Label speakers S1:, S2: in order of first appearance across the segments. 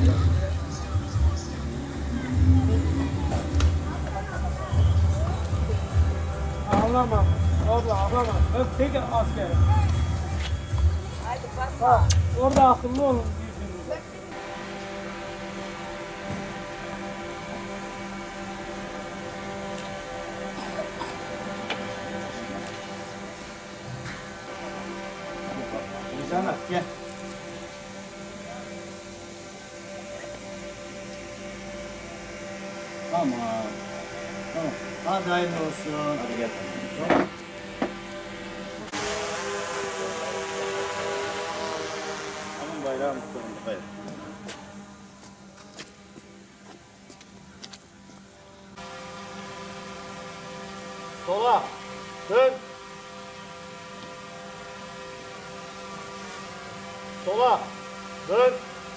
S1: Ağlama. Abla ağlama. Ben tek askerim.
S2: Haydi basma.
S1: Orada akıllı olun diyorsunuz.
S3: İnsanlar gel. Tamam. Tamam. Hadi hayırlı olsun. Hadi gel. Tamam. Tamam bayrağı muhtemelen. Hayır. Sola. Dön. Sola. Dön.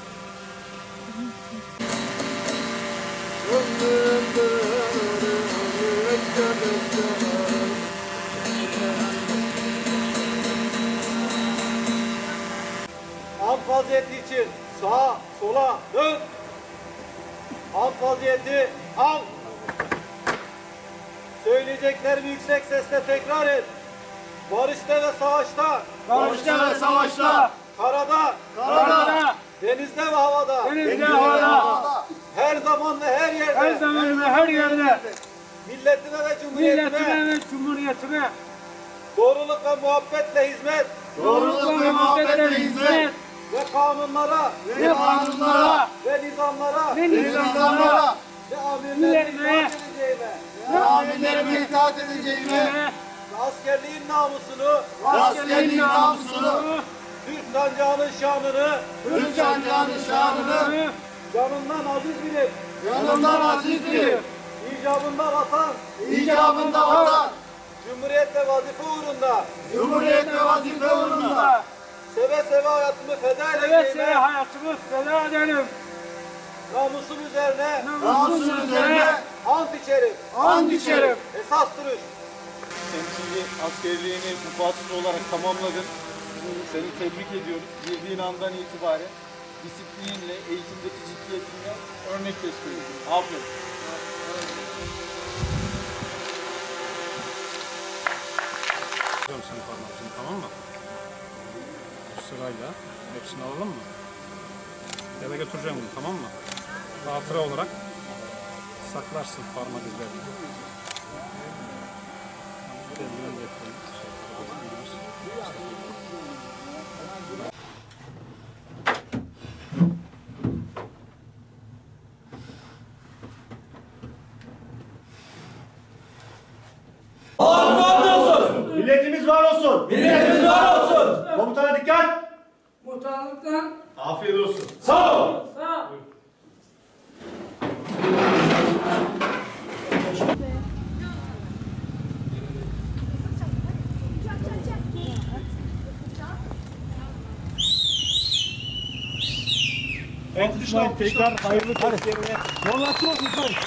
S3: Alt vaziyeti için sağa, sola, dön. Alt vaziyeti al. Söyleyeceklerimi yüksek sesle tekrar et. Barışta ve savaşta,
S1: Barışta ve savaşta,
S3: karada,
S1: denizde ve havada, her zaman ve her yerde, milletine ve cumhuriyetine, doğruluk ve muhabbetle hizmet, ve kanunlara, ve nizamlara, ve amirlerime itaat edeceğime, ve askerliğin namusunu, Türk sancağının şanını, canından aziz bilip, icabında vatan, Cumhuriyet ve vazife uğrunda, seve seve hayatımı feda edeceğime, namusum üzerine, ant içerim, esas duruş.
S3: Temsili askerliğini müfatsız olarak tamamladın. Seni tebrik ediyoruz. Girdiğin andan itibaren disiplinle, eğitimdeki ciddiyetinle örnek teşkil ediyorsun. Aferin.
S4: Senin parmağını, tamam mı? Bu sırayla hepsini alalım mı? Eve götüreceğim bunu, tamam mı? Hatıra olarak saklarsın parmak izlerini.
S3: Milletimiz var olsun. Komutana dikkat.
S1: Muhtarlıktan
S3: Afiyet olsun.
S1: sağ ol.
S3: Evet, tekrar hayırlı testlerine.